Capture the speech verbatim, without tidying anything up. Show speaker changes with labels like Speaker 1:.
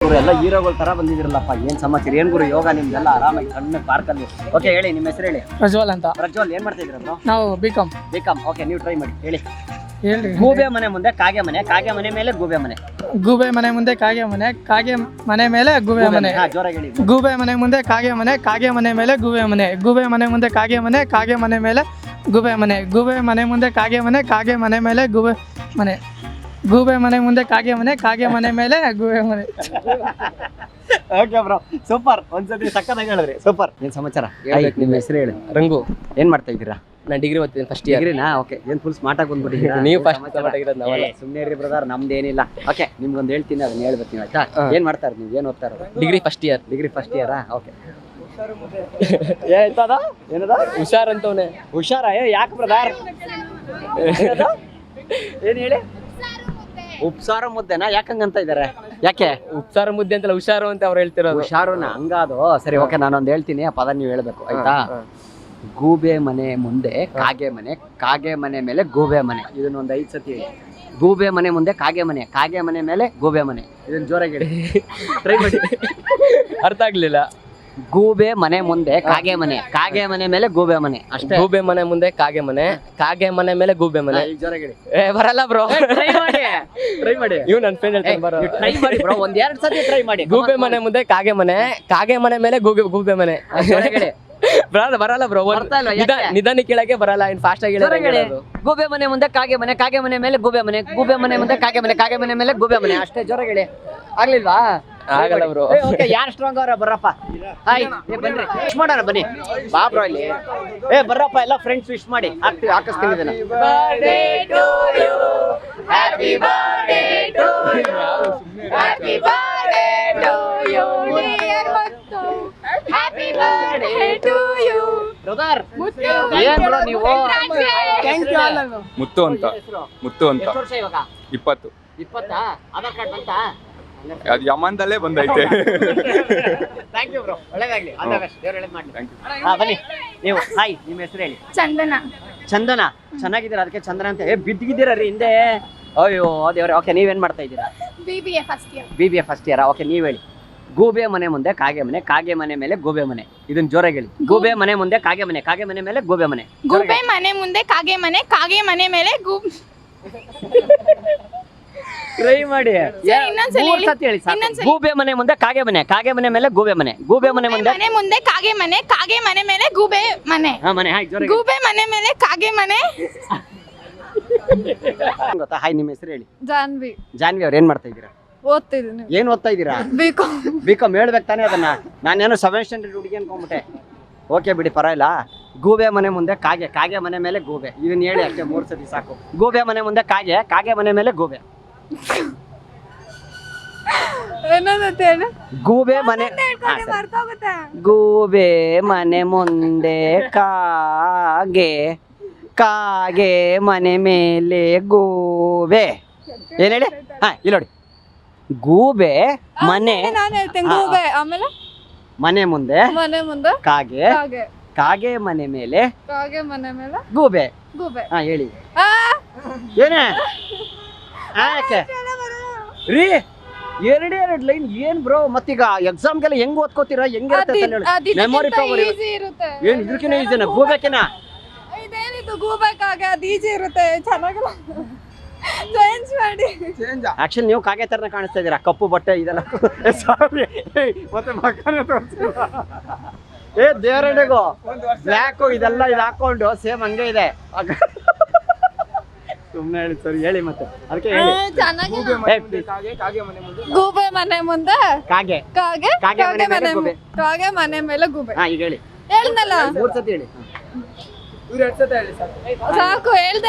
Speaker 1: ಗುರು ಎಲ್ಲ ಹೀರೋಗಳ ತರ ಬಂದಿದಿರಲ್ಲಪ್ಪ, ಏನ್ ಸಮಾಚಾರ, ಏನ್ ಗುರು ಯೋಗ ನಿಮ್ದೆಲ್ಲ ಆರಾಮಾಗಿ ಸಣ್ಣ ಪಾರ್ಕಲ್ಲಿ. ಓಕೆ ಹೇಳಿ ನಿಮ್ಮ ಹೆಸರು ಹೇಳಿ.
Speaker 2: ಪ್ರಜ್ವಲ್ ಅಂತ.
Speaker 1: ಪ್ರಜ್ವಲ್ ಏನ್ ಮಾಡ್ತಾ ಇದ್ದೀರಾ?
Speaker 2: ನಾವು ಬಿಕಾಮ್.
Speaker 1: ಬಿಕಾಮ್ ಓಕೆ, ನೀವು ಟ್ರೈ ಮಾಡಿ ಹೇಳಿ.
Speaker 2: ಹೇಳ್ರಿ.
Speaker 1: ಗೂಬೆ ಮನೆ ಮುಂದೆ ಕಾಗೆ ಮನೆ, ಕಾಗೆ ಮನೆ ಮೇಲೆ ಗೂಬೆ ಮನೆ.
Speaker 2: ಗೂಬೆ ಮನೆ ಮುಂದೆ ಕಾಗೆ ಮನೆ, ಕಾಗೆ ಮನೆ ಮೇಲೆ ಗೂಬೆ ಮನೆ.
Speaker 1: ಹಾ ಜೋರಾಗಿ ಹೇಳಿ.
Speaker 2: ಗೂಬೆ ಮನೆ ಮುಂದೆ ಕಾಗೆ ಮನೆ, ಕಾಗೆ ಮನೆ ಮೇಲೆ ಗೂಬೆ ಮನೆ. ಗೂಬೆ ಮನೆ ಮುಂದೆ ಕಾಗೆ ಮನೆ, ಕಾಗೆ ಮನೆ ಮೇಲೆ ಗೂಬೆ ಮನೆ. ಗೂಬೆ ಮನೆ ಮುಂದೆ ಕಾಗೆ ಮನೆ, ಕಾಗೆ ಮನೆ ಮೇಲೆ ಗೂಬೆ ಮನೆ. ಗೂಬೆ ಮನೆ ಮುಂದೆ ಕಾಗೆ ಮನೆ, ಕಾಗೆ ಮನೆ ಮೇಲೆ ಗೂಬೆ ಮನೆ.
Speaker 1: Okay bro, super. ಒಂದ್ಸತಿ ಸಕ್ಕತ್ತಾಗಿ ಹೇಳಿದ್ರಿ, ಸೂಪರ್. ಏನ್ ಸಮಾಚಾರ? ನಿಮ್ಮ ಹೆಸರು ಹೇಳಿ.
Speaker 3: ರಂಗು.
Speaker 1: ಏನ್ ಮಾಡ್ತಾ ಇದ್ದೀರಾ?
Speaker 3: ನಾನು ಡಿಗ್ರಿ ಓದ್ತೀನಿ ಫಸ್ಟ್ ಇಯರ್.
Speaker 1: ಡಿಗ್ರಿನಾ? ಓಕೆ. ಏನ್ ಫುಲ್ ಸ್ಮಾರ್ಟ್ ಆಗಿ ಬಂದ್ಬಿಟ್ಟಿದ್ದೀರಾ
Speaker 3: ನೀವು ಫಸ್ಟ್ ಆಗಿರೋದು ನಾವಲ್ಲ.
Speaker 1: ಸುಮ್ಮನೆ ಇರಿ ಬ್ರದರ್, ನಮ್ದೇನಿಲ್ಲ. ಓಕೆ, ನಿಮ್ಗೊಂದು ಹೇಳ್ತೀನಿ, ಅದನ್ನ ಹೇಳ್ಬೇಕು ನೀವು, ಆಯ್ತಾ? ಏನ್ ಮಾಡ್ತಾರೆ ನೀವು? ಏನ್ ಓದ್ತಾ ಇರೋದು?
Speaker 3: Degree first year.
Speaker 1: Degree first ಇಯರಾ? ಓಕೆ. ಏನಾಯ್ತದ? ಏನದ?
Speaker 3: ಹುಷಾರ್ ಅಂತವನೆ.
Speaker 1: ಹುಷಾರ? ಯಾಕೆ ಬ್ರದರ್? ಏನ್ ಹೇಳಿ? ಉಪ್ಸಾರ ಮುದ್ದೆನಾ? ಯಾಕಂಗಂತ ಇದಾರೆ? ಯಾಕೆ
Speaker 3: ಉಪ್ಸಾರ ಮುದ್ದೆ ಅಂತಲ್ಲ, ಹುಷಾರು ಅಂತ ಅವ್ರು ಹೇಳ್ತಿರೋದು.
Speaker 1: ಹುಷಾರುನ? ಹಂಗಾದು ಸರಿ. ಓಕೆ, ನಾನೊಂದು ಹೇಳ್ತೀನಿ, ಆ ಪದ ನೀವು ಹೇಳ್ಬೇಕು, ಆಯ್ತಾ? ಗೂಬೆ ಮನೆ ಮುಂದೆ ಕಾಗೆ ಮನೆ, ಕಾಗೆ ಮನೆ ಮೇಲೆ ಗೂಬೆ ಮನೆ. ಇದನ್ನೊಂದು ಐದು ಸತಿ ಹೇಳಿ. ಗೂಬೆ ಮನೆ ಮುಂದೆ ಕಾಗೆ ಮನೆ, ಕಾಗೆ ಮನೆ ಮೇಲೆ ಗೂಬೆ ಮನೆ. ಇದನ್ನ ಜೋರಾಗಿ ಹೇಳಿ, ಟ್ರೈ ಮಾಡಿ.
Speaker 3: ಅರ್ಥ ಆಗ್ಲಿಲ್ಲ.
Speaker 1: ಗೂಬೆ ಮನೆ ಮುಂದೆ ಕಾಗೆ ಮನೆ, ಕಾಗೆ ಮನೆ ಮೇಲೆ ಗೂಬೆ ಮನೆ. ಅಷ್ಟೇ.
Speaker 3: ಗೂಬೆ ಮನೆ ಮುಂದೆ ಕಾಗೆ ಮನೆ, ಕಾಗೆ ಮನೆ ಮೇಲೆ ಗೂಬೆ ಮನೆ.
Speaker 1: ಜೋರಾಗಿ ಹೇಳಿ.
Speaker 3: ಏ ಬರಲ್ಲ ಬ್ರೋ.
Speaker 1: ಟ್ರೈ ಮಾಡಿ, ಟ್ರೈ ಮಾಡಿ.
Speaker 3: ಇವ್ ನನ್ನ ಫ್ರೆಂಡ್ ಹೇಳ್ತಾನೆ, ಬರೋ.
Speaker 1: ಟ್ರೈ ಮಾಡಿ ಬ್ರೋ, ಒಂದ್ ಎರಡು ಸತಿ ಟ್ರೈ ಮಾಡಿ.
Speaker 3: ಗೂಬೆ ಮನೆ ಮುಂದೆ ಕಾಗೆ ಮನೆ, ಕಾಗೆ ಮನೆ ಮೇಲೆ ಗೂಬೆ ಗೂಬೆ ಮನೆ. ಬರಲ್ಲ ಬರಲ್ಲ ಬ್ರೋ. ನಿಧಾನ ಕೇಳಕ್ಕೆ ಬರಲ್ಲ, ಇನ್ ಫಾಸ್ಟ್ ಆಗಿ ಹೇಳಿ.
Speaker 1: ಗೂಬೆ ಮನೆ ಮುಂದೆ ಕಾಗೆ ಮನೆ, ಕಾಗೆ ಮನೆ ಮೇಲೆ ಗೂಬೆ ಮನೆ. ಗೂಬೆ ಮನೆ ಮುಂದೆ ಕಾಗೆ ಮನೆ, ಕಾಗೆ ಮನೆ ಮೇಲೆ ಗೂಬೆ ಮನೆ. ಅಷ್ಟೇ, ಜೋರಾಗಿ ಹೇಳಿ. ಆಗ್ಲಿಲ್ವಾ?
Speaker 3: ಆಗಲ್ಲ ಬ್ರೋ.
Speaker 1: ಓಕೆ, ಯಾರು ಸ್ಟ್ರಾಂಗ್ ಅವರ? ಬರ್ರಪ್ಪ. ಹಾಯ್, ಬನ್ರಿ, ವಿಶ್ ಮಾಡೋಣ ಬನ್ನಿ. ಬಾ ಬ್ರೋ ಇಲ್ಲಿ. ಏ ಬರ್ರಪ್ಪ, ಎಲ್ಲ ಫ್ರೆಂಡ್ಸ್ ವಿಶ್ ಮಾಡಿ. ಹಾಕ್ತೀವಿ, ಹಾಕಿಸ್ತೀನಿ ಇದನ್ನ.
Speaker 4: Happy birthday to you. Happy birthday to you. Dear Muttu. Happy birthday to you.
Speaker 1: Brother
Speaker 4: Muttu.
Speaker 1: ಏನ್ ಬ್ರೋ ನೀವು?
Speaker 4: Thank you.
Speaker 5: ಮುತ್ತು ಅಂತ. ಮುತ್ತು ಅಂತ.
Speaker 1: ಎಷ್ಟು ವರ್ಷ ಇವಾಗ?
Speaker 5: ಇಪ್ಪತ್ತು.
Speaker 1: ಇಪ್ಪತ್ತಾ? ಆಧಾರ್ ಕಾರ್ಡ್ ಬಂತಾ?
Speaker 5: ಅದು ಯಮನ್ದಲ್ಲೇ ಬಂದೈತೆ.
Speaker 1: ಥ್ಯಾಂಕ್ ಯು ಬ್ರೋ, ಒಳ್ಳೇದಾಗ್ಲಿ. ಆಲ್ ದ ಬೆಸ್ಟ್, ದೇವ್ರು ಒಳ್ಳೇದ್ ಮಾಡ್ಲಿ.
Speaker 5: Thank you.
Speaker 1: ಹಾ ಬನ್ನಿ ನೀವು. ಹಾಯ್, ನಿಮ್ಮ ಹೆಸರು ಹೇಳಿ.
Speaker 4: ಚಂದನ.
Speaker 1: ಚಂದನ. ಚೆನ್ನಾಗಿದ್ದೀರಾ? ಅದಕ್ಕೆ ಚಂದನ ಅಂತ. ಏ ಬಿದ್ದಿದ್ದೀರಾ ರೀ ಹಿಂದೆ? ಅಯ್ಯೋ ದೇವ್ರೆ. ಓಕೆ, ನೀವೇನ್ ಮಾಡ್ತಾ ಇದ್ದೀರಾ?
Speaker 4: B B A first year.
Speaker 1: B B A first year. Okay, ನೀವ್ ಹೇಳಿ. ಗೂಬೆ ಮನೆ ಮುಂದೆ ಕಾಗೆ ಮನೆ, ಕಾಗೆ ಮನೆ ಮೇಲೆ ಗೂಬೆ ಮನೆ. ಇದನ್ನ ಜೋರಾಗಿ ಹೇಳಿ. ಗೂಬೆ ಮನೆ ಮುಂದೆ ಕಾಗೆ ಮನೆ, ಕಾಗೆ ಮನೆ ಮೇಲೆ ಗೂಬೆ ಮನೆ.
Speaker 4: ಗೂಬೆ ಮನೆ ಮುಂದೆ ಕಾಗೆ ಮನೆ, ಕಾಗೆ ಮನೆ ಮೇಲೆ ಗೂಬ್.
Speaker 1: ಟ್ರೈ ಮಾಡಿ.
Speaker 4: ಇನ್ನೊಂದ್ಸಲ
Speaker 1: ಮೂರ್
Speaker 4: ಹೇಳಿ.
Speaker 1: ಸತಿ ಹೇಳಿ ಸಾಕು.
Speaker 4: ಇನ್ನೊಂದ್ಸಲ.
Speaker 1: ಗೂಬೆ ಮನೆ ಮುಂದೆ ಕಾಗೆ ಮನೆ, ಕಾಗೆ ಮನೆ ಮೇಲೆ ಗೂಬೆ ಮನೆ. ಗೂಬೆ ಮನೆ ಮುಂದೆ
Speaker 4: ಮನೆ ಮುಂದೆ ಕಾಗೆ ಮನೆ, ಕಾಗೆ ಮನೆ ಮೇಲೆ ಗೂಬೆ ಮನೆ.
Speaker 1: ಹಾ ಮನೆ. ಹಾಯ್, ಜೋರಾಗಿ.
Speaker 4: ಗೂಬೆ ಮನೆ ಮೇಲೆ ಕಾಗೆ ಮನೆ.
Speaker 1: ಗೊತ್ತಾ? ಹಾಯ್, ನಿಮ್ಮ ಹೆಸರು ಹೇಳಿ.
Speaker 4: ಜಾನ್ವಿ.
Speaker 1: ಜಾನ್ವಿ ಅವ್ರು ಏನ್ ಮಾಡ್ತಾ ಇದ್ದೀರಾ?
Speaker 4: ಓದ್ತಿದ್ದೀನಿ.
Speaker 1: ಏನ್ ಓದ್ತಾ ಇದ್ದೀರಾ?
Speaker 4: ಬಿಕಾಮ್.
Speaker 1: ಬಿಕಾಮ್. ಹೇಳ್ಬೇಕು ತಾನೇ ಅದನ್ನ. ನಾನೇನೋ ಸೆವೆನ್ ಸ್ಟ್ಯಾಂಡರ್ಡ್ ಹುಡುಗಿ ಅನ್ಕೊಂಡ್ಬಿಟ್ಟೆ. ಓಕೆ ಬಿಡಿ, ಪರವಾಗಿಲ್ಲ. ಗೂಬೆ ಮನೆ ಮುಂದೆ ಕಾಗೆ, ಕಾಗೆ ಮನೆ ಮೇಲೆ ಗೂಬೆ. ಇದನ್ನ ಹೇಳಿ ಅಷ್ಟೇ, ಮೂರ್ ಸತಿ ಸಾಕು. ಗೂಬೆ ಮನೆ ಮುಂದೆ ಕಾಗೆ, ಕಾಗೆ ಮನೆ ಮೇಲೆ ಗೂಬೆ.
Speaker 4: ಏನಂತ ಹೇಳಿ?
Speaker 1: ಗೂಬೆ ಮನೆ. ಹಾ, ಸರಿ.
Speaker 4: ಮರ್ತೋಗುತ್ತೆ.
Speaker 1: ಗೂಬೆ ಮನೆ ಮುಂದೆ ಕಾಗೆ, ಕಾಗೆ ಮನೆ ಮೇಲೆ ಗೂಬೆ. ಏನ್ ಹೇಳಿ? ಹಾ, ಇಲ್ಲಿ ನೋಡಿ. ಗೂಬೆ ಮನೆ
Speaker 4: ನಾನು ಹೇಳ್ತೇನೆ.
Speaker 1: ಹಾ,
Speaker 4: ಗೂಬೆ ಆಮೇಲೆ
Speaker 1: ಮನೆ ಮುಂದೆ
Speaker 4: ಮನೆ ಮುಂದೆ
Speaker 1: ಕಾಗೆ,
Speaker 4: ಕಾಗೆ,
Speaker 1: ಕಾಗೆ ಮನೆ ಮೇಲೆ
Speaker 4: ಕಾಗೆ ಮನೆ ಮೇಲೆ
Speaker 1: ಗೂಬೆ.
Speaker 4: ಗೂಬೆ.
Speaker 1: ಹಾ ಹೇಳಿ.
Speaker 4: ಆ
Speaker 1: ಏನೇ? ಆ, ಯಾಕೆ ರೀ? ಎರಡೇ ಎರಡು ಲೈನ್ ಏನ್ ಬ್ರೋ? ಮತ್ತೀಗ ಎಕ್ಸಾಮ್ಗೆಲ್ಲ ಹೆಂಗ್ ಓದ್ಕೋತೀರಾ? ಹೆಂಗಿರುತ್ತೆ ಮೆಮೊರಿ ಪವರ್?
Speaker 4: ಈಸಿ ಇರುತ್ತೆ.
Speaker 1: ಏನ್ ಇದಕ್ಕಿನ ಈಸಿನ? ಗೂಬೆಕಿನ?
Speaker 4: ಇದೇನಿದು ಗೂಬೆ ಕಾಗೆ? ಅದು ಈಸಿ ಇರುತ್ತೆ, ಚೆನ್ನಾಗಿಲ್ಲ. ಚೇಂಜ್ ಮಾಡಿ.
Speaker 1: ಆಕ್ಚುಲಿ ನೀವು ಕಾಗೆ ತರನ ಕಾಣಿಸ್ತಾ ಇದೀರಾ, ಕಪ್ಪು ಬಟ್ಟೆ ಇದೆಲ್ಲ. ಸಾರಿ, ಮತ್ತೆ ಮಕ್ಕನೇ ತೋರಿಸಿಲ್ಲ. ಏ ದೇವರಡೆಗೋ ಬ್ಲ್ಯಾಕು ಇದೆಲ್ಲ ಇದು ಹಾಕೊಂಡು ಸೇಮ್ ಹಂಗೆ ಇದೆ. ಸುಮ್ಮನೆ ಹೇಳಿ ಸರಿ, ಹೇಳಿ ಮತ್ತೆ. ಅದಕ್ಕೆ ಹೇಳಿ.
Speaker 4: ಚೆನ್ನಾಗಿಲ್ಲ. ಗೂಬೆ ಮನೆ ಮುಂದೆ ಕಾಗೆ,
Speaker 1: ಕಾಗೆ
Speaker 4: ಕಾಗೆ
Speaker 1: ಮನೆ ಮೇಲೆ
Speaker 4: ಮನೆ
Speaker 1: ಗೂಬೆ.
Speaker 4: ಕಾಗೆ ಮನೆ ಮೇಲೆ ಗೂಬೆ.
Speaker 1: ಹಾ ಈಗ ಹೇಳಿ.
Speaker 4: ಹೇಳ್ದಲ್ಲ
Speaker 1: ಮೂರ್ ಸತಿ ಹೇಳಿ.
Speaker 4: ಸಾಕು, ಹೇಳ್ದೆ.